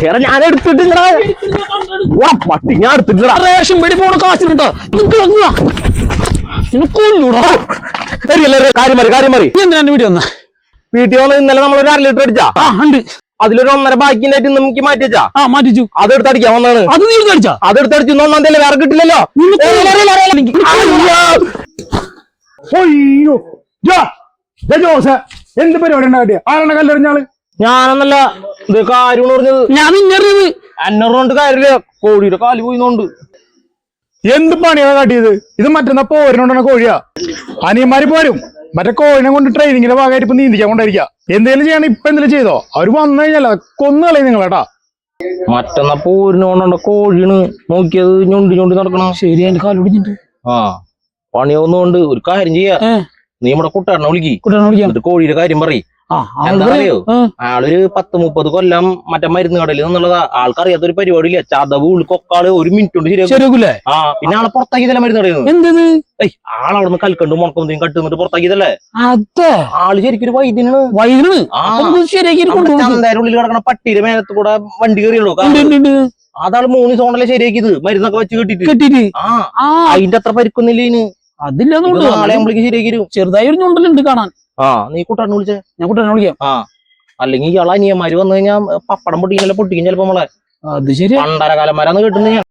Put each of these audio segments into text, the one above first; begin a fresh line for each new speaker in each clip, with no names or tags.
എടാ ഞാൻ എടുത്തിട്ടില്ലടാ പട്ടി ഞാൻ എടുത്തിട്ടില്ല റേഷൻ പേടി പോണ കാശിനുണ്ടോ കാര്യം മറി
എന്തിനാ വീട്ടിൽ വന്ന
വീട്ടിൽ വന്ന് ഇന്നലെ നമ്മളൊരു 1/2 ലിറ്റർ അടിച്ചാ
ഉണ്ട്
അതിലൊരു 1.5 ബാക്കിണ്ടായിട്ട് നമുക്ക് മാറ്റി വെച്ചാ
മാറ്റിച്ചു
അതെടുത്ത് അടിക്കാൻ വന്നാണ്
അത് നീ അടിച്ചാ
അതെടുത്ത് അടിച്ചു 1 തീയതി വേറെ കിട്ടില്ലല്ലോ
അയ്യോ ജോസ് എന്ത് പരിപാടി ഉണ്ടാക്കിയ ആരാണ് കല്ലെറിഞ്ഞാള്
ഞാനെന്നല്ല ഇത് കാര്യം പറഞ്ഞത്
ഞാൻ നിന്നറിയത്
എന്നോണ്ട് കാര്യമില്ല കോഴിയുടെ കാല് പോയിന്നോണ്ട്
എന്ത് പണിയാണ് കാട്ടിയത് ഇത് മറ്റന്നാ പോരിനോണ്ടാണ് കോഴിയാ അനിയന്മാര് പോരും മറ്റേ കോഴിനെ കൊണ്ട് ട്രെയിനിങ്ങിന്റെ ഭാഗമായിട്ട് ഇപ്പൊ നീന്തിക്കാൻ കൊണ്ടിരിക്കുക എന്തെങ്കിലും ചെയ്യണം ഇപ്പൊ എന്തെങ്കിലും ചെയ്തോ അവര് വന്നു കഴിഞ്ഞാൽ കൊന്നുകളയും നിങ്ങളേട്ടാ
മറ്റന്നാ പോരിനോണ്ട കോഴിയാണ് നോക്കിയത് ഞൊണ്ടി നടക്കണം
ശരി എന്റെ കാലൊടിഞ്ഞിട്ട്
ആ പണിയൊന്നുകൊണ്ട് ഒരു കാര്യം ചെയ്യാ നീ നമ്മുടെ കുട്ടാറിനെ വിളിക്കും കോഴിയുടെ കാര്യം പറയും എന്താണെന്നറിയോ ആളൊരു 10-30 കൊല്ലം മറ്റേ മരുന്ന് കടയിൽ നിന്നുള്ളതാ ആൾക്കറിയാത്തൊരു പരിപാടിയില്ല ചതവ് ഉൾക്കൊക്കാള് 1 മിനിറ്റ് കൊണ്ട് ശരിയാക്കൂലേ ആ പിന്നെ ആളെ പുറത്താക്കിയതല്ലേ മരുന്ന് കടയിൽ ആളവിടുന്ന് കൽക്കണ്ട് മുടക്കം കട്ടുന്നിട്ട് പുറത്താക്കിയതല്ലേ ആള് ശരിക്കും ഒരു വൈദ്യനാണ് ചന്തയുടെ ഉള്ളിൽ കിടക്കണ പട്ടിയുടെ മേലത്ത് കൂടെ വണ്ടി കയറിയുള്ളൂ അതാള് 3 ദിവസം കൊണ്ടല്ലേ ശരിയാക്കിയത് മരുന്നൊക്കെ വെച്ച് കെട്ടിട്ട് അതിന്റെ അത്ര പരിക്കൊന്നില്ല ഇതിന്
അതില്ല
നാളെ നമ്മളേക്ക് ശരിയാക്കി
ചെറുതായി ഒരു ഞുണ്ടലുണ്ട് കാണാൻ
നീ കുട്ടാറിനെ വിളിച്ചേ
ഞാൻ കുട്ടാറിനെ വിളിക്കാം
അല്ലെങ്കിൽ ഇയാളെ അനിയന്മാര് വന്നു കഴിഞ്ഞാൽ പപ്പടം പൊട്ടിക്കും ചിലപ്പോ നമ്മളെ
അത് ശരി
പണ്ടരകാലന്മാരാന്ന് കേട്ടുന്ന ഞാൻ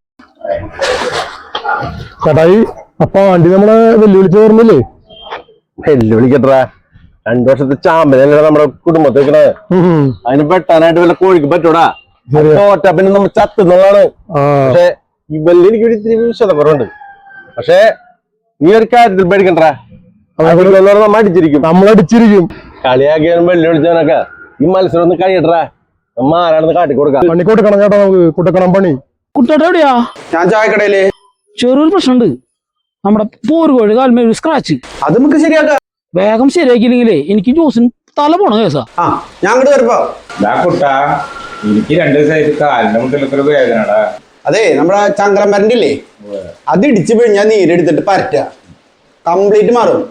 ചേട്ടായി അപ്പൊ വണ്ടി നമ്മളെ വെല്ലുവിളിച്ച് ഓർമ്മയില്ലേ
വെല്ലുവിളിക്കട്ടെ 2 വർഷത്തെ ചാമ്പലല്ലേ നമ്മുടെ കുടുംബത്തേക്കണേ അതിന് പെട്ടാനായിട്ട് വല്ല കോഴിക്ക് പറ്റൂടാ തോറ്റ പിന്നെ നമ്മൾ ചത്തുന്നതാണ് പക്ഷെ ഈ വെല്ലി എനിക്ക് ഇത്തിരി വിശ്വാസക്കുറവുണ്ട് പക്ഷെ നീ ഒരു കാര്യത്തിൽ പേടിക്കണ്ട
നമ്മളടിച്ചിരിക്കും
കളിയാക്കിയാലും വെല്ലുവിളിച്ചവനൊക്കെ ഈ മത്സരം ഒന്ന് കഴിയട്ടാ നമ്മ ആരാണെന്ന് കാട്ടിക്കൊടുക്കാം
പണി കൊടുക്കണം ചേട്ടാ നമുക്ക് കുട്ടക്കണം പണി
കുട്ടേട്ട എവിടെയാ
ഞാൻ ചായക്കടയില്
ചെറിയൊരു പ്രശ്നമുണ്ട് നമ്മുടെ പോരുകോഴി കാൽമേ ഒരു സ്ക്രാച്ച്
അത് നമുക്ക് ശരിയാക്കാം
വേഗം ശരിയാക്കിയില്ലെങ്കിലേ എനിക്ക് ജോസിന് തല പോണ കേസാ
ഞാൻ അങ്ങോട്ട് വരുമ്പോ
എനിക്ക് 2 ദിവസമായിട്ട് കാലിന്റെ മുട്ടിലൊക്കെ വേദനടാ
അതെ നമ്മുടെ ചങ്കരം മരണ്ടില്ലേ അത് ഇടിച്ചു പിഴിഞ്ഞാൽ നീരെടുത്തിട്ട് പരറ്റ കംപ്ലീറ്റ് മാറും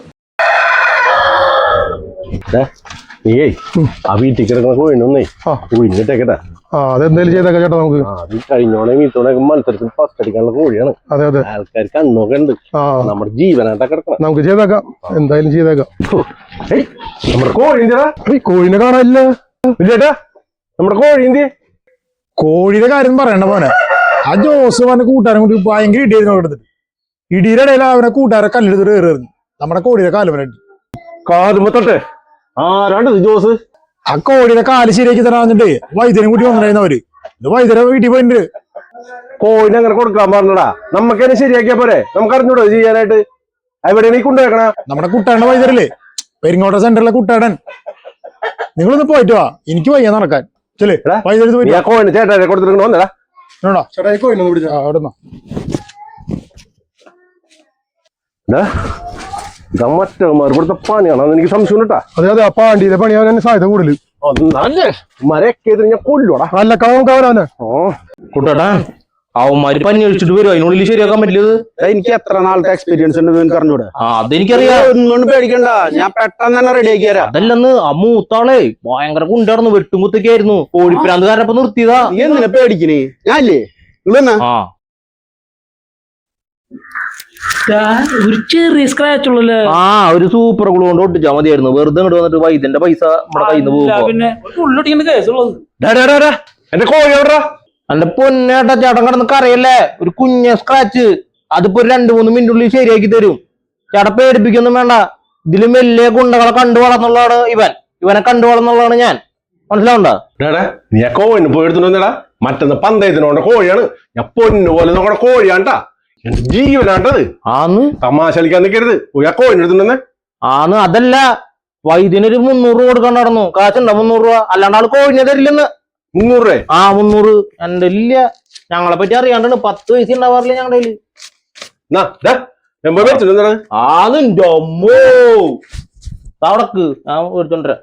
നീയേ ആ വീട്ടിൽ കിടക്കുന്ന കോഴിനൊന്നേ കുഴിഞ്ഞിട്ടേക്കട്ടെ
അതെന്തായാലും ചെയ്തേക്കാം ചേട്ടാ നമുക്ക്
അത് കഴിഞ്ഞോണേ വീട്ടോണൊക്കെ മത്സരത്തിൽ ഫസ്റ്റ് അടിക്കാനുള്ള കോഴിയാണ്
അതെ അതെ
ആൾക്കാർ കണ്ണൊക്കെ ഉണ്ട് നമ്മുടെ ജീവനായിട്ടാ കിടക്കണം
നമുക്ക് ചെയ്തേക്കാം എന്തായാലും ചെയ്തേക്കാം
നമ്മുടെ കോഴി
കോഴിനെ കാണാനില്ല
ചേട്ടാ നമ്മുടെ കോഴി എന്ത്
കോഴിയുടെ കാര്യം പറയണ്ട പോനെ ആ ജോസ് പറഞ്ഞ കൂട്ടുകാരൻ കൂടി ഭയങ്കര ഇടിയായിരുന്നു എടുത്തിട്ട് ഇടിയുടെ ഇടയിൽ അവനെ കൂട്ടുകാരെ കല്ലെടുത്തിട്ട് കയറിയിരുന്നു നമ്മുടെ കോഴിയുടെ കാല് വരട്ടി
കാലുമ്പത്തട്ടെ ആരാണ്ടത് ജോസ്
ആ കോഴിയുടെ കാല് ശരിയാക്കി തരാൻ വന്നിട്ട് വൈദ്യനെ കൂട്ടി വന്നിട്ടായിരുന്നു അവര് ഇത് വൈദ്യരെ വീട്ടിൽ പോയിട്ടുണ്ട്
കോഴിനെ അങ്ങനെ കൊടുക്കാൻ പറഞ്ഞടാ നമുക്ക് തന്നെ ശരിയാക്കിയാ പോരെ നമുക്ക് അറിഞ്ഞൂടോ ചെയ്യാനായിട്ട് എവിടെയാണ് ഈ കൊണ്ടുവെക്കണ
നമ്മുടെ കുട്ടാടന്റെ വൈദ്യരല്ലേ പെരിങ്ങോട്ട സെന്ററിലെ കുട്ടാടൻ നിങ്ങളൊന്ന് പോയിട്ട് വാ എനിക്ക് വയ്യ നടക്കാൻ ചെല്ലേ വൈദ്യുതി പോയി
കോഴിനെ ചേട്ടാ കൊടുത്തിട്ട് വന്നടാ
ചേട്ടാ കോഴിനൊന്ന് പിടിച്ച അവിടെ
മറ്റവന്മാർ ഇവിടുത്തെ പണിയാണെന്ന് എനിക്ക് സംശയം കേട്ടാ
അതെ അതെ ആ പാണ്ടിയിലെ പണിയാൻ സാധ്യത കൂടുതൽ
മരയൊക്കെ ഞാൻ കൊല്ലോടാ
നല്ല കാവരാനെ
കുട്ടാ അവന്മാര് പനി അടിച്ചിട്ട് വരും അതിനുള്ളിൽ ശരിയാക്കാൻ പറ്റില്ലത്
എനിക്ക് എത്ര നാളത്തെ എക്സ്പീരിയൻസ് ഉണ്ട് എനിക്ക് അറിഞ്ഞൂടെ
അതെനിക്കറിയാം
ഒന്നും പേടിക്കണ്ട ഞാൻ പെട്ടെന്ന് തന്നെ റെഡി ആക്കി തരാം
അതല്ലെന്ന് ആ മൂത്താളെ ഭയങ്കര കുണ്ടായിരുന്നു വെട്ടുമുത്തൊക്കെയായിരുന്നു കോഴിപ്പിരാന്തുകാരനപ്പൊ നിർത്തിയതാ
എന്തിനാ പേടിക്കണേ ഞാനില്ലേ നിങ്ങളെന്നാ
ഒരു ചെറിയ സ്ക്രാച്ച് ഉള്ളല്ലേ
ഒരു സൂപ്പർ ഗ്ലൂ കൊണ്ട് ഒട്ടിച്ചാ മതിയായിരുന്നു വെറുതെ ഇങ്ങോട്ട് വന്നിട്ട് വൈദ്യന്റെ പൈസ നമ്മുടെ കയ്യിൽ നിന്ന് പോകും
പിന്നെ ഉള്ളൊട്ടിക്കുന്ന കേസുള്ളത്
എന്റെ കോഴി എവിടാ
എന്റെ പൊന്നേട്ടാ ചേട്ടൻ കിടന്ന് കറിയല്ലേ ഒരു കുഞ്ഞ സ്ക്രാച്ച് അതിപ്പോ ഒരു 2-3 മിനിറ്റുള്ളിൽ ശരിയാക്കി തരും ചേട്ടൻ പേടിപ്പിക്കൊന്നും വേണ്ട ഇതിലും വലിയ ഗുണ്ടകളെ കണ്ടു വളർന്നുള്ളതാണ് ഇവനെ കണ്ടു വളർന്നുള്ളതാണ് ഞാൻ മനസ്സിലാവണ്ട
നീ കോഴിന് പോയി എടുത്തിട്ടുണ്ടാ മറ്റൊന്ന് പന്തയത്തിനോണ്ട കോഴിയാണ് ഞാൻ പൊന്നു പോലെ നോക്കണ കോഴിയാണ്ടാ ജീവനാണ്ടത് തമാശ കളിക്കാൻ നിൽക്കരുത് കോഴിന് എടുത്തിട്ടുണ്ടെന്ന്
അതല്ല വൈദ്യനൊരു 300 രൂപ കൊടുക്കാൻ നടന്നു കാശുണ്ടോ 300 രൂപ അല്ലാണ്ട് ആള് കോഴിനെ തരില്ലെന്ന്
300 രൂപ
300 എന്റെ ഇല്ല ഞങ്ങളെ പറ്റി അറിയാണ്ടാണ് 10 പൈസ ഉണ്ടാവാറില്ല ഞങ്ങളുടെ അവിടക്ക് ഞാൻ എടുത്തോണ്ടരാ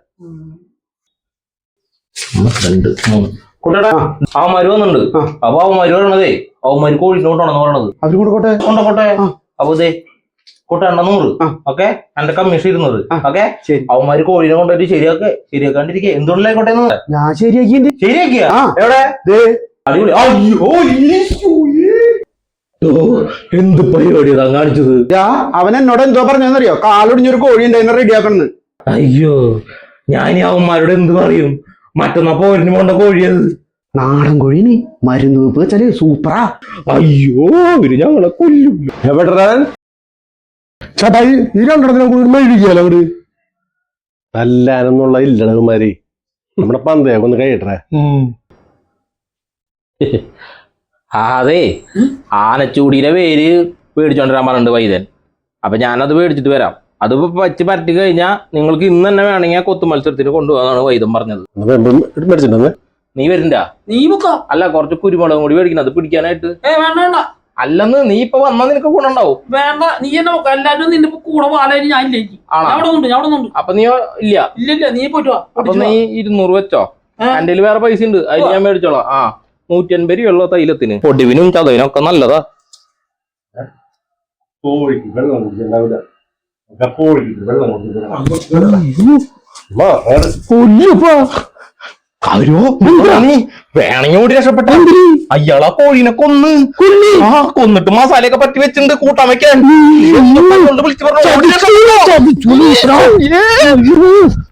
അവന്മാര് വന്നിട്ടുണ്ട് അപ്പൊ അവന്മാര് പറയണതേ അവന്മാര് കോഴിനോട്ടാണെന്ന് പറയണത്
അവര് കൊടുക്കോട്ടെ
കൊണ്ടോട്ടെ അപ്പൊ ഇതേ കൂട്ടണ്ട 100. ഓക്കെ, എന്റെ കമ്മീഷൻ 200. ഓക്കെ,
ശരി.
അവന്മാര് കോഴീനെ കൊണ്ടുപോയിട്ട് ശരിയാക്കാണ്ടിരിക്കുക. എന്തുകൊണ്ടില്ലായിക്കോട്ടെ
ഞാൻ ശരിയാക്കിണ്ട്.
ശരിയാക്കിയ
ആ.
എവിടെ
ദേ.
അടിപൊളി. അയ്യോ എന്ത് പരിപാടിയാ കാണിച്ചത്?
അവൻ എന്നോട് എന്തോ പറഞ്ഞെന്നറിയോ? കാലൊടിഞ്ഞൊരു കോഴി ഉണ്ടായിരുന്നു റെഡിയാക്കണെന്ന്.
അയ്യോ, ഞാൻ ഈ അവന്മാരോട് എന്ത് പറയും? മറ്റന്നാ പോരിന് പോണ്ട കോഴിയത്.
നാടൻ കോഴീന് മരുന്ന് വെപ്പ് വെച്ചാല് സൂപ്പറാ.
അയ്യോ, ഇവര് ഞങ്ങളെ കൊല്ലും.
എവിടെ
ചേട്ടാ ഈ രണ്ടെണ്ണത്തിനെ കൂടി മെഴുകിയാലോ അങ്ങോട്ട്?
തല്ലാനൊന്നുള്ള ഇല്ലടകുമാരി. നമ്മുടെ പന്തയൊക്കെ ഒന്ന് കഴിയട്ടെ.
അതെ, ആനച്ചൂടിയുടെ പേര് പേടിച്ചോണ്ടിരാൻ പറഞ്ഞിട്ടുണ്ട് വൈദ്യൻ. അപ്പൊ ഞാനത് പേടിച്ചിട്ട് വരാം. അത് പറ്റി പറ്റി കഴിഞ്ഞാൽ നിങ്ങൾക്ക് ഇന്ന് തന്നെ വേണമെങ്കിൽ കൊത്തു മത്സരത്തിന് കൊണ്ടുപോകാന്നാണ് വൈദ്യം പറഞ്ഞത്.
മേടിച്ചിട്ടുണ്ടെന്ന്
നീ വരണ്ട?
നീ ബുക്കാ
അല്ല, കുറച്ച് കുരുമുളകും കൂടി മേടിക്കണം അത് പിടിക്കാനായിട്ട്.
വേണ്ട വേണ്ട
അല്ലെന്ന് നീ ഇപ്പൊ വന്നാൽ നിനക്ക് ഗുണുണ്ടാവും.
വേണ്ട, നീ എന്നെ നോക്കാം. എല്ലാരും നിന്റെ കൂടെ പാലായി ഞാൻ ഇല്ലേക്ക്. അവിടെ ഉണ്ട്.
അപ്പൊ നീ ഇല്ല?
ഇല്ല, നീ പോയിട്ട് വാ.
അപ്പൊ നീ 200 വെച്ചോ. എന്റെ വേറെ പൈസ ഉണ്ട്, അതിൽ ഞാൻ മേടിച്ചോളാം. 150 രൂപ തൈലത്തിന്. പൊടിവിനും ചതവിനും നല്ലതാ.
കോഴിക്ക് വെള്ളം കുടിച്ചിട്ടുണ്ടാവില്ല. കോഴിക്ക് വെള്ളം
വേണമെങ്കിൽ ഓടി രക്ഷപ്പെട്ട. അയാളാ കോഴീനെ കൊന്നിട്ട് മസാലയൊക്കെ പറ്റി വെച്ചിട്ടുണ്ട് കൂട്ടാൻ വെക്കാൻ. വിളിച്ചു പറഞ്ഞു